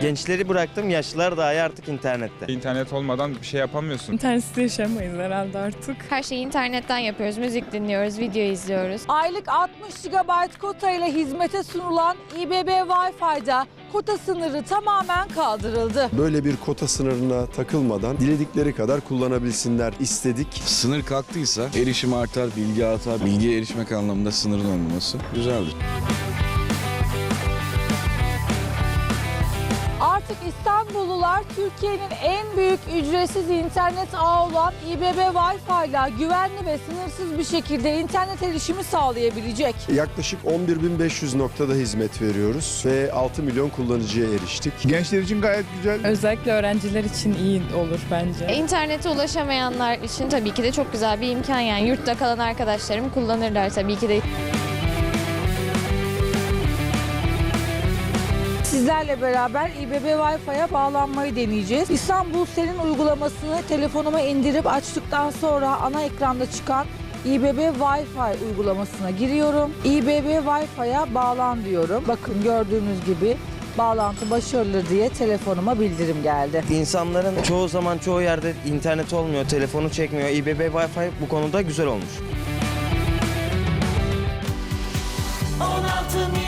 Gençleri bıraktım, yaşlılar dahi artık internette. İnternet olmadan bir şey yapamıyorsun. İnternetsiz yaşayamayız herhalde artık. Her şeyi internetten yapıyoruz. Müzik dinliyoruz, video izliyoruz. Aylık 60 GB kota ile hizmete sunulan İBB Wi-Fi'da kota sınırı tamamen kaldırıldı. Böyle bir kota sınırına takılmadan diledikleri kadar kullanabilsinler istedik. Sınır kalktıysa erişim artar, bilgi artar. Bilgiye erişmek anlamında sınırın olmaması güzeldir. Artık İstanbullular Türkiye'nin en büyük ücretsiz internet ağı olan İBB Wi-Fi ile güvenli ve sınırsız bir şekilde internet erişimi sağlayabilecek. Yaklaşık 11.500 noktada hizmet veriyoruz ve 6 milyon kullanıcıya eriştik. Gençler için gayet güzel. Özellikle öğrenciler için iyi olur bence. İnternete ulaşamayanlar için tabii ki de çok güzel bir imkan yani. Yurtta kalan arkadaşlarım kullanırlar tabii ki de. Sizlerle beraber İBB Wi-Fi'ye bağlanmayı deneyeceğiz. İstanbul Senin uygulamasını telefonuma indirip açtıktan sonra ana ekranda çıkan İBB Wi-Fi uygulamasına giriyorum. İBB Wi-Fi'ye bağlan diyorum. Bakın gördüğünüz gibi bağlantı başarılı diye telefonuma bildirim geldi. İnsanların çoğu zaman çoğu yerde internet olmuyor, telefonu çekmiyor. İBB Wi-Fi bu konuda güzel olmuş. 16